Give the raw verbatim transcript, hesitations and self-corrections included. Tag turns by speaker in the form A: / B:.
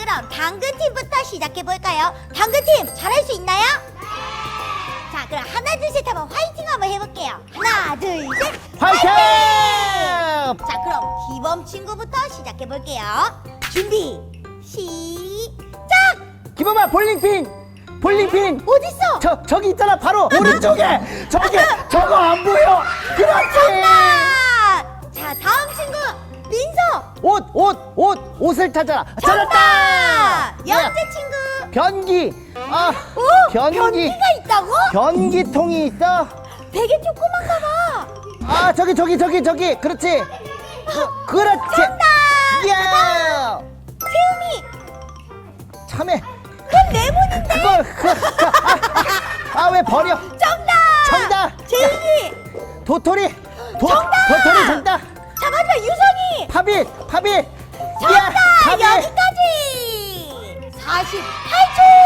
A: 그럼 당근팀부터 시작해볼까요? 당근팀 잘할 수 있나요? 자, 그럼 하나 둘 셋 하면 화이팅 한번 해볼게요. 하나 둘 셋
B: 화이팅!
A: 자, 그럼 기범 친구부터 시작해볼게요. 준비 시작!
B: 기범아, 볼링핀! 볼링핀!
A: 어딨어?
B: 저, 저기 있잖아, 바로 오른쪽에! 저기, 저거 안 보여! 그렇지!
A: 정답! 자, 다음 친구 민서!
B: 옷, 옷, 옷! 옷을 찾아라! 찾았다!
A: 영재 친구!
B: 변기! 아,
A: 오!
B: 변기!
A: 변기가 있다고?
B: 변기통이 있어?
A: 되게 조그만가 봐.
B: 아, 저기, 저기, 저기, 저기! 그렇지! 그, 그렇지!
A: 정답!
B: 예!
A: 세움이!
B: 참해!
A: 그건 레몬인데?
B: 그걸, 그, 아, 왜 버려?
A: 정답!
B: 정답!
A: 제인이!
B: 도토리! 도,
A: 정답!
B: 도토리 정답!
A: 자, 마지막 유성이!
B: 파빗! 파빗!
A: 정답!
B: 야, 파빗!
A: 여기까지! 사십팔 초!